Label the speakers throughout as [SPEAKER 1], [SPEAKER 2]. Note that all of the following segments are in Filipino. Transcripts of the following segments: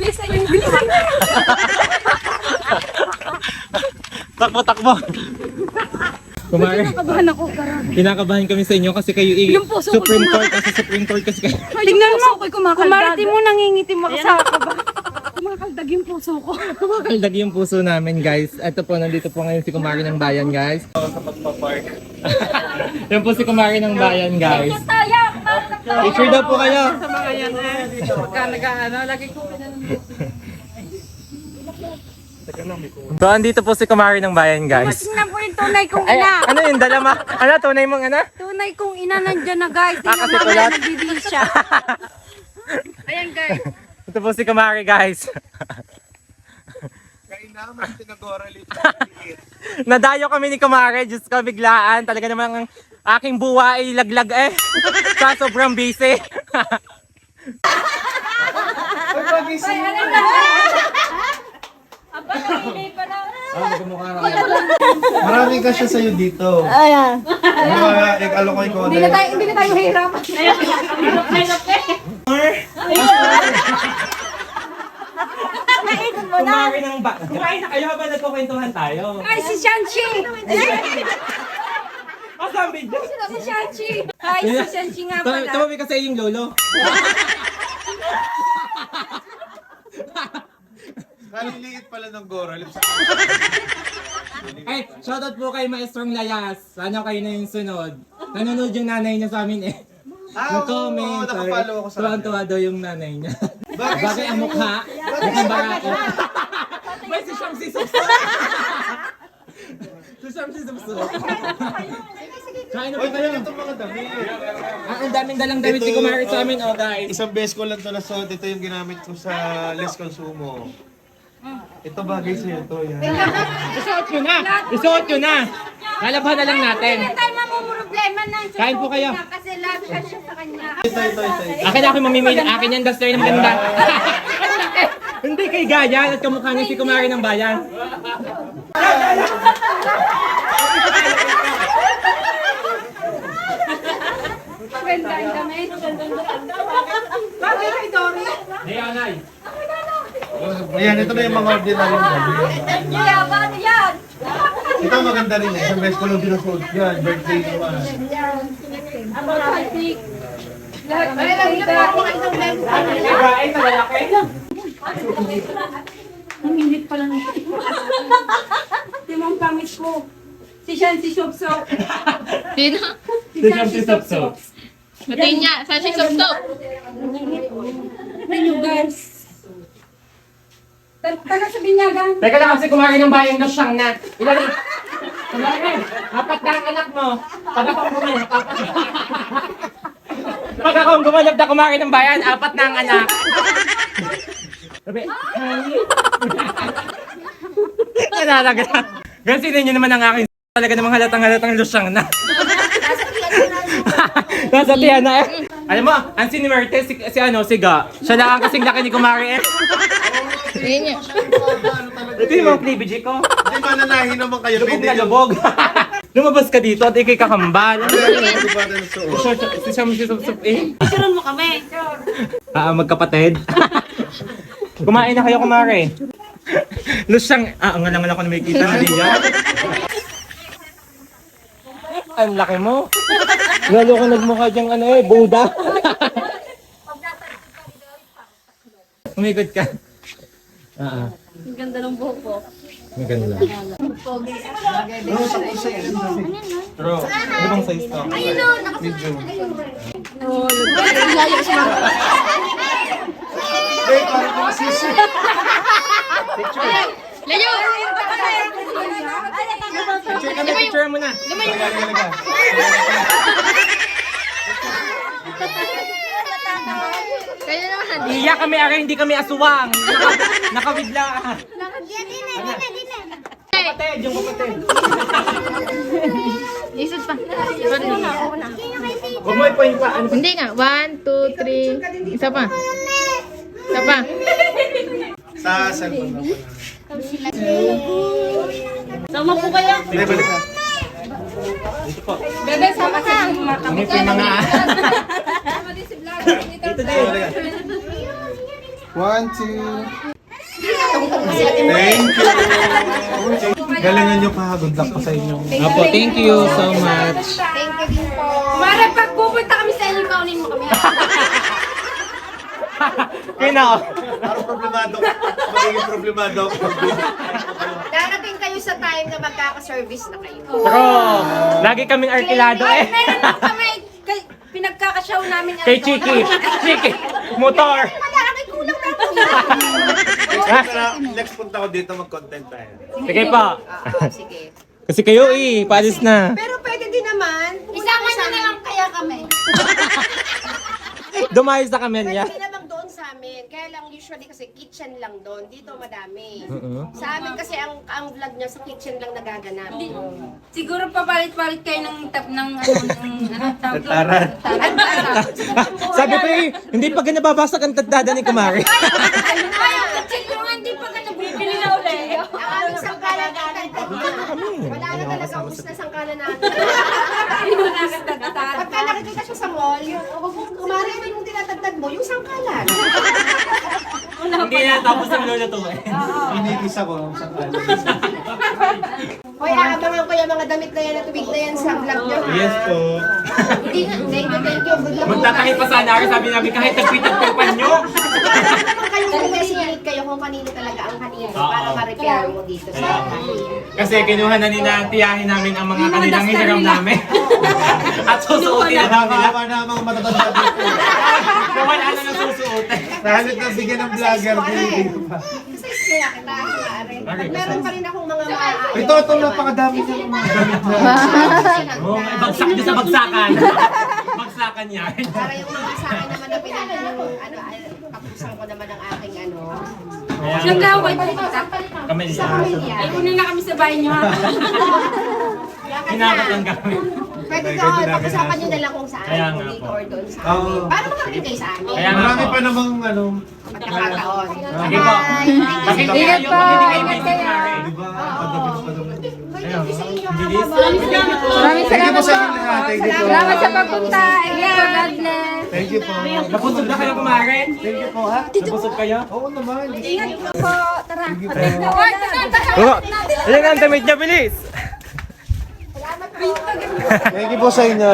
[SPEAKER 1] Bilis na yung bilis.
[SPEAKER 2] Takbo, takbo. Kumari.
[SPEAKER 1] Kinakabahan ako, karami.
[SPEAKER 2] Kinakabahan kami sa inyo kasi kayo
[SPEAKER 1] Yung puso ko
[SPEAKER 2] Supreme Court kasi Supreme Court kasi kayo.
[SPEAKER 1] Tingnan mo, kumarte mo
[SPEAKER 3] nangingitim ako sa kaba.
[SPEAKER 1] kumakaldag yung puso ko.
[SPEAKER 2] Kumakaldag yung puso namin, guys. Ito po, nandito po ngayon si Kumari ng Bayan, guys. Sa pagpapark. Yan po si Kumari ng Bayan, guys. Picture daw po kayo.
[SPEAKER 3] Sa mga yan pagka nag-ano, lagi ko
[SPEAKER 2] So, andito po si Kumari ng Bayan, guys.
[SPEAKER 3] Tingnan po yung tunay kong
[SPEAKER 2] Ay,
[SPEAKER 3] ina.
[SPEAKER 2] ano yung dalama? Ano, tunay mong ano?
[SPEAKER 3] Tunay kong ina nandyan na guys. Tingnan
[SPEAKER 2] kasi
[SPEAKER 3] mo
[SPEAKER 2] kulat.
[SPEAKER 3] na nagbibihis siya. Ayan guys.
[SPEAKER 2] Ito po si Kumari, guys.
[SPEAKER 4] Kainaman, tinagorali.
[SPEAKER 2] Nadayo kami ni Kumari, Diyos ko, biglaan. Talaga namang ang aking buwa ay laglag eh. Sa sobrang busy.
[SPEAKER 4] Maraming kasya sa'yo dito.
[SPEAKER 3] Ayan.
[SPEAKER 4] Alokoy ko
[SPEAKER 1] Hindi na tayo hirap.
[SPEAKER 2] Kumari ng ba? Kumain na kayo habang nagkukwentuhan tayo.
[SPEAKER 1] Ay, si Shanchi!
[SPEAKER 2] Masang video.
[SPEAKER 1] Si Shanchi! Ay, si Shanchi nga pala.
[SPEAKER 2] Tumabi kasi yung lolo.
[SPEAKER 4] Kaliliit pala ng Goralip sa
[SPEAKER 2] Ay, shoutout po kay Maestrong Layas. Sana kayo na yung sunod. Nanonood yung nanay niya sa amin eh. Nag-comment.
[SPEAKER 4] oo, nakapollow ako sa
[SPEAKER 2] Tuwan-tuwa daw yung nanay niya.
[SPEAKER 4] Bagay
[SPEAKER 2] Bagay ang mukha. Mukhang barako. May si Siyam si Subso. Si Siyam si Subso. Kain na po
[SPEAKER 4] Oy,
[SPEAKER 2] kayo.
[SPEAKER 4] talaga itong mga damit.
[SPEAKER 2] Ang daming dalang damit si Kumari sa amin, oh guys.
[SPEAKER 4] Isang beses ko lang ito nasuot. Ito yung ginamit ko sa Les Consumo. Ito bagay sa'yo ito. Yan.
[SPEAKER 2] Isuot nyo na! Isuot nyo na! Lalabhan na lang natin.
[SPEAKER 3] Hindi tayo mamumroblema ng
[SPEAKER 2] Kain po kayo.
[SPEAKER 3] kasi love ka siya sa kanya.
[SPEAKER 4] Ito.
[SPEAKER 2] Akin ako mamimili. Akin yan, duster na maganda. Hindi kay Gaya at kamukha niya si Kumari ng Bayan.
[SPEAKER 1] Gandang kami. Bakit kay Dory?
[SPEAKER 2] Leonay.
[SPEAKER 4] Ayan, ito na yung mga ordinary damit.
[SPEAKER 1] Kaya ba ano yan?
[SPEAKER 4] Ito maganda rin eh. Isang beses ko lang binasuot. Yan, birthday naman.
[SPEAKER 1] Ang romantic. Lahat ay nagkita.
[SPEAKER 2] Ay, nalalaki.
[SPEAKER 1] Ang init pala ng Di mo ang pangit ko. Si Shan, si Shopsop.
[SPEAKER 5] Sino?
[SPEAKER 2] Si Siyam si Subso.
[SPEAKER 5] Batiin niya. Saan si Subsop?
[SPEAKER 1] Thank you guys. Taga sa binyagan.
[SPEAKER 2] Teka lang kasi Kumari ng Bayan na siyang na. Ilan? Kumari, apat na ang anak mo. Pag akong gumanap, Pag akong gumanap na Kumari ng Bayan, apat na ang anak. Sabi, Nalalaga. Gansinin niyo naman ang aking talaga namang halatang lusyang na. Nasa tiyan na eh. Alam mo, ang sinimerte si Ga. Siya lang ang kasing laki ni Kumari eh.
[SPEAKER 5] Tingin niya.
[SPEAKER 2] Ito yung mga cleavage ko.
[SPEAKER 4] Hindi mananahin naman kayo.
[SPEAKER 2] Lubog
[SPEAKER 4] Pwede
[SPEAKER 2] na
[SPEAKER 4] yung
[SPEAKER 2] lubog. Lumabas ka dito at ikay kakambal.
[SPEAKER 4] Hindi ba na nasuot?
[SPEAKER 2] Si Sam si Sup eh.
[SPEAKER 3] Picturean mo kami.
[SPEAKER 2] Magkapatid. Kumain na kayo, Kumari. Lusyang, ang ngalangan ako na may kita na din yan. Ang laki mo. Lalo ka nagmukha diyang Buddha. Umikot ka.
[SPEAKER 5] Ang ganda ng buhok ko.
[SPEAKER 2] Maganda. Pero, ano bang size to?
[SPEAKER 3] Ayun o, nakasunod.
[SPEAKER 4] Eh, parang kang sisi.
[SPEAKER 5] Layo!
[SPEAKER 2] Picture kami, picture mo na.
[SPEAKER 5] Kaya naman.
[SPEAKER 2] Iiyak kami, ari, hindi kami aswang. Nakawidla. Kapatid, yung kapatid.
[SPEAKER 5] Isod pa.
[SPEAKER 2] Huwag mo i-point pa. Ano?
[SPEAKER 5] Hindi nga. 1, 2, 3. Isa pa. Isa pa.
[SPEAKER 4] Sa cellphone na pala.
[SPEAKER 3] Sama po kayo.
[SPEAKER 4] Hindi, balik ka.
[SPEAKER 1] Bebe, sama ka.
[SPEAKER 2] Ano po yung mga...
[SPEAKER 1] Sama din si Vlog.
[SPEAKER 2] Ito din.
[SPEAKER 4] 1, 2. Thank you. Galingan nyo pa. Good luck po sa inyo.
[SPEAKER 2] Apo, thank you so much.
[SPEAKER 3] Thank you din po. Mara, pag pupunta kami sa inyo, kaunin mo kami.
[SPEAKER 2] Kina.
[SPEAKER 4] Parang problemado. Magiging problemado ako.
[SPEAKER 3] Darating kayo sa time na magkaka-service na kayo.
[SPEAKER 2] Bro, lagi kaming arkilado eh.
[SPEAKER 1] Meron lang kami, pinagkakasyaw namin.
[SPEAKER 2] Kay Chiki. Chiki. Motor.
[SPEAKER 3] Malaki kulang na ako.
[SPEAKER 4] Next punta ko dito mag-content tayo.
[SPEAKER 2] Sige pa.
[SPEAKER 3] Sige.
[SPEAKER 2] Kasi kayo paalis na.
[SPEAKER 3] Pero pwede din naman. Isama nyo na lang kaya kami.
[SPEAKER 2] Dumayos na kami niya.
[SPEAKER 3] Pwede naman doon sa amin. Kaya lang usually kasi kitchen lang doon. Dito madami.
[SPEAKER 2] Oo.
[SPEAKER 3] Sa amin kasi ang vlog niya sa kitchen lang nagaganap.
[SPEAKER 1] Siguro papalit-palit kayo ng tawag doon.
[SPEAKER 4] Taran.
[SPEAKER 2] Sabi ko hindi pa nababasag ang tadada ni Kumari.
[SPEAKER 1] Ay, ang kitchen ko nga, hindi pa ka nabibili na ulit.
[SPEAKER 3] Ang aming sangkalan natin. Wala na talaga ubus na sangkalan natin. Pagka nakikita siya sa mall, kumari mo yung tinatagdag mo, yung sangkalan.
[SPEAKER 2] Hindi na tapos ang lolo to eh.
[SPEAKER 4] Pinigis ako sa kanan.
[SPEAKER 3] Hoy, aabangan ko yung mga damit na yan at tubig na yan sa vlog niyo. ha?
[SPEAKER 4] Yes po.
[SPEAKER 3] Hindi na, thank you. Good luck.
[SPEAKER 2] Magtatahi pa sana ako, sabi namin kahit nagpitag-tapan nyo.
[SPEAKER 3] Naman kayo kung designated kayo kung kanino talaga ang kanino para ma-repair mo dito sa
[SPEAKER 2] Kasi kinuha na nila tiyahin namin ang mga kanilang hiniram namin. At susuotin na namin.
[SPEAKER 4] Nakakawa na ang mga matatanda dito.
[SPEAKER 2] Kung wala na ng susuotin.
[SPEAKER 4] Nahalit na bigyan ng vlogger. Dito pa.
[SPEAKER 3] Kasi kaya kita, maaari. At meron pa rin akong mga maaaari.
[SPEAKER 4] Ito, napakadami ng mga gamit na.
[SPEAKER 2] Oh, bagsak niyo sa bagsakan. Bagsakan yan.
[SPEAKER 3] Para yung mga sa akin naman na kapusan ko naman ang aking
[SPEAKER 1] Siyang gawin ko
[SPEAKER 2] Kami
[SPEAKER 3] sa pamilya.
[SPEAKER 1] Ay, kunin na kami sa bahay niyo ha.
[SPEAKER 2] Hinakat lang kami.
[SPEAKER 3] Pwede ko, pag-usapan nyo na lang kung saan.
[SPEAKER 2] Kaya
[SPEAKER 3] Kung
[SPEAKER 2] nga
[SPEAKER 3] dito
[SPEAKER 2] po.
[SPEAKER 3] or doon sa
[SPEAKER 4] Oo.
[SPEAKER 3] amin. Para makarating kayo sa amin.
[SPEAKER 2] Kaya nga
[SPEAKER 4] Marami
[SPEAKER 2] po.
[SPEAKER 4] pa namang
[SPEAKER 3] Magkakataon.
[SPEAKER 2] Sige po. Bakit
[SPEAKER 4] Ingat
[SPEAKER 2] kayo
[SPEAKER 4] po.
[SPEAKER 2] hindi kayo busy Kumari?
[SPEAKER 4] Di ba? Pagdating pa naman.
[SPEAKER 3] Thank you sa inyo.
[SPEAKER 2] Bilis.
[SPEAKER 5] Maraming
[SPEAKER 4] Thank you po
[SPEAKER 5] salamat
[SPEAKER 4] sa
[SPEAKER 5] po.
[SPEAKER 4] inyo lahat. Thank you po.
[SPEAKER 5] Salamat sa pagpunta. God bless.
[SPEAKER 4] Thank you po.
[SPEAKER 2] Napusog na kayo Kumari?
[SPEAKER 4] Thank you po ha.
[SPEAKER 2] Napusog kayo?
[SPEAKER 4] Oo naman.
[SPEAKER 1] Ingat po. Tara.
[SPEAKER 4] Thank you po.
[SPEAKER 2] Oo. Ayan ang damit niya, bilis.
[SPEAKER 4] Thank you po sa inyo.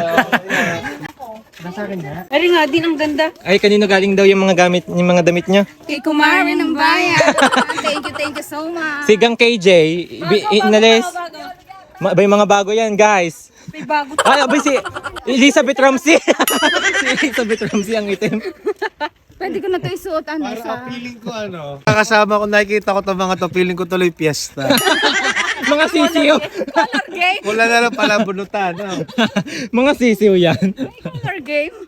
[SPEAKER 1] Ay nga, din ang ganda.
[SPEAKER 2] Ay, kanino galing daw yung mga damit niya?
[SPEAKER 1] Kay Kumari ng bayan.
[SPEAKER 3] Thank you so much.
[SPEAKER 2] Si Gang KJ, inalis. May mga bago yan, guys.
[SPEAKER 1] May bago.
[SPEAKER 2] Ay, abay si Elizabeth Ramsey. Si Elizabeth Ramsey ang itim.
[SPEAKER 5] Pwede ko na ito isuot
[SPEAKER 4] Para feeling ko Kakasama ko, nakikita ko itong mga to, feeling ko tuloy piyesta.
[SPEAKER 2] Mga sisiyo.
[SPEAKER 4] Wala na lang pala bunutan.
[SPEAKER 2] Mga sisiyo yan.
[SPEAKER 1] Color game.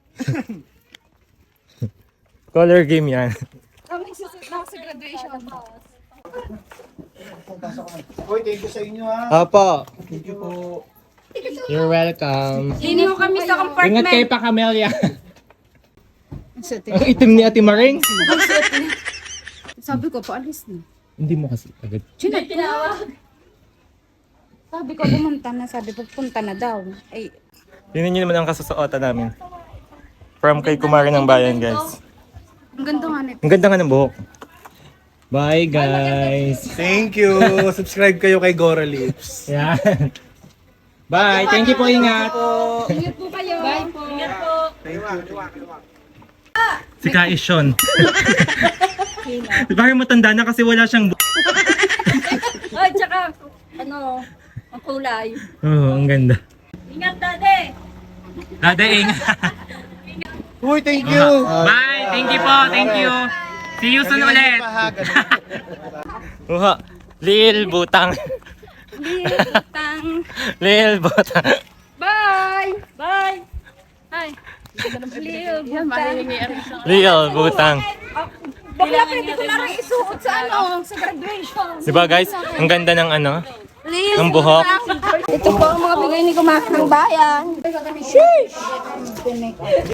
[SPEAKER 2] Color game yan.
[SPEAKER 5] sa graduation.
[SPEAKER 4] Hoy, thank you sa inyo ha.
[SPEAKER 2] Opo.
[SPEAKER 4] Thank you po.
[SPEAKER 2] You're welcome.
[SPEAKER 1] Hindi mo kami sa
[SPEAKER 2] Ingat kayo
[SPEAKER 1] compartment.
[SPEAKER 2] pa, Camelia. Ang itim ni Ate Maring.
[SPEAKER 5] Sabi ko, paalis na.
[SPEAKER 2] Hindi mo kasi agad.
[SPEAKER 5] Sabi ko, pumunta na. Sabi, pupunta na daw. Ay,
[SPEAKER 2] Tingnan niyo naman ang kasusuotan namin. From kay Kumari ng Bayan, guys.
[SPEAKER 5] ang ganda nga nito.
[SPEAKER 2] Ang ganda nga ng buhok. Bye, guys.
[SPEAKER 4] Thank you. Subscribe kayo kay Gora Lips.
[SPEAKER 2] Yan. Bye. Thank you po. Ingat.
[SPEAKER 1] Ingat po kayo. Bye po. Ingat po.
[SPEAKER 2] Si Kaishon. Bakit matanda na kasi wala siyang
[SPEAKER 1] Ay, tsaka, ang kulay.
[SPEAKER 2] Oo, ang ganda.
[SPEAKER 1] Ingat, dade.
[SPEAKER 2] Dadaing.
[SPEAKER 4] Uy, thank you.
[SPEAKER 2] Bye. Thank you po. Thank you. See you soon ulit. Uha. Lil Butang.
[SPEAKER 1] Tang.
[SPEAKER 2] Lil Butang.
[SPEAKER 1] Bye. Bye. Hi. Lil,
[SPEAKER 2] Lil Butang.
[SPEAKER 1] bakla pwede ko na rin isuot sa sa graduation.
[SPEAKER 2] Diba guys? Ang ganda ng
[SPEAKER 1] Lil.
[SPEAKER 2] ng buhok.
[SPEAKER 1] Ito po ang mga bigay ni Kumak ng bayan.